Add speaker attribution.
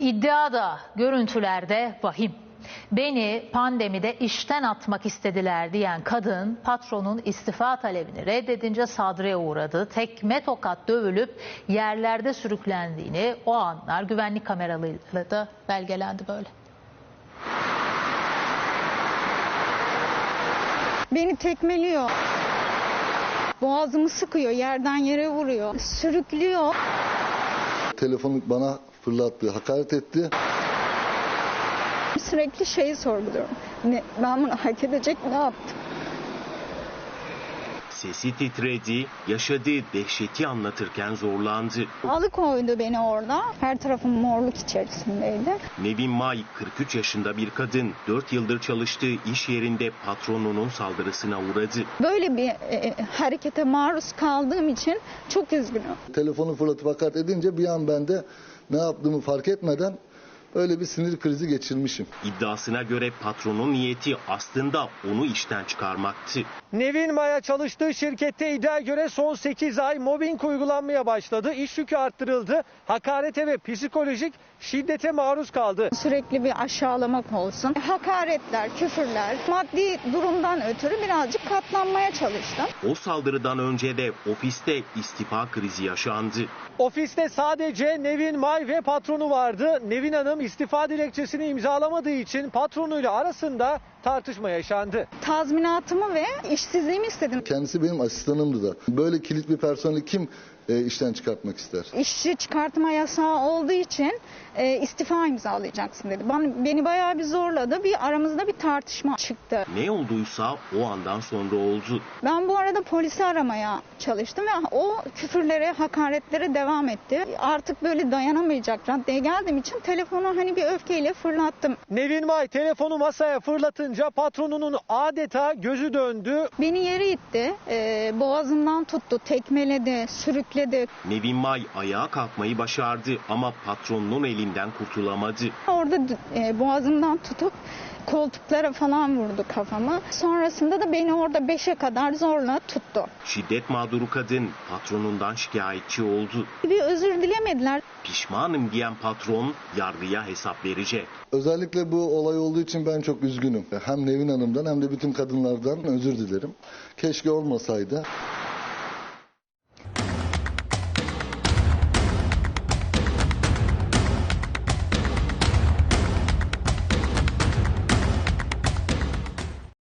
Speaker 1: İddia da görüntülerde vahim. Beni pandemide işten atmak istediler diyen kadın patronun istifa talebini reddedince saldırıya uğradı. Tekme tokat dövülüp yerlerde sürüklendiğini o anlar güvenlik kameralarıyla da belgelendi böyle.
Speaker 2: Beni tekmeliyor. Boğazımı sıkıyor, yerden yere vuruyor, sürüklüyor.
Speaker 3: Telefonu bana fırlattı, hakaret etti.
Speaker 2: Sürekli şeyi sorguluyorum. Ben bunu hak edecek ne yaptım?
Speaker 4: Sesi titredi, yaşadığı dehşeti anlatırken zorlandı.
Speaker 2: Alıkoydu beni orada. Her tarafım morluk içerisindeydi.
Speaker 4: Nevin May, 43 yaşında bir kadın, 4 yıldır çalıştığı iş yerinde patronunun saldırısına uğradı.
Speaker 2: Böyle bir harekete maruz kaldığım için çok üzgünüm.
Speaker 3: Telefonu fırlatıp hakaret edince bir an ben de ne yaptığımı fark etmeden öyle bir sinir krizi geçirmişim.
Speaker 4: İddiasına göre patronun niyeti aslında onu işten çıkarmaktı.
Speaker 5: Nevin May'a çalıştığı şirkette iddiaya göre son 8 ay mobbing uygulanmaya başladı. İş yükü arttırıldı. Hakarete ve psikolojik şiddete maruz kaldı.
Speaker 2: Sürekli bir aşağılamak olsun. Hakaretler, küfürler, maddi durumdan ötürü birazcık katlanmaya çalıştım.
Speaker 4: O saldırıdan önce de ofiste istifa krizi yaşandı.
Speaker 5: Ofiste sadece Nevin May ve patronu vardı. Nevin Hanım istifa dilekçesini imzalamadığı için patronuyla arasında tartışma yaşandı.
Speaker 2: Tazminatımı ve işsizliğimi istedim.
Speaker 3: Kendisi benim asistanımdı da. Böyle kilit bir personeli kim işten çıkartmak ister?
Speaker 2: İşçi çıkartma yasağı olduğu için istifa imzalayacaksın dedi. Beni bayağı bir zorladı. Aramızda bir tartışma çıktı.
Speaker 4: Ne olduysa o andan sonra oldu.
Speaker 2: Ben bu arada polisi aramaya çalıştım ve o küfürlere, hakaretlere devam etti. Artık böyle dayanamayacak raddeye geldiğim için telefonu bir öfkeyle fırlattım.
Speaker 5: Nevin May telefonu masaya fırlatınca patronunun adeta gözü döndü.
Speaker 2: Beni yere itti, boğazımdan tuttu, tekmeledi, sürükledi.
Speaker 4: Nevin May ayağa kalkmayı başardı ama patronunun elinden kurtulamadı.
Speaker 2: Orada boğazımdan tutup koltuklara falan vurdu kafamı. Sonrasında da beni orada 5'e kadar zorla tuttu.
Speaker 4: Şiddet mağduru kadın patronundan şikayetçi oldu.
Speaker 2: Bir özür dilemediler.
Speaker 4: Pişmanım diyen patron yargıya hesap verecek.
Speaker 3: Özellikle bu olay olduğu için ben çok üzgünüm. Hem Nevin Hanım'dan hem de bütün kadınlardan özür dilerim. Keşke olmasaydı.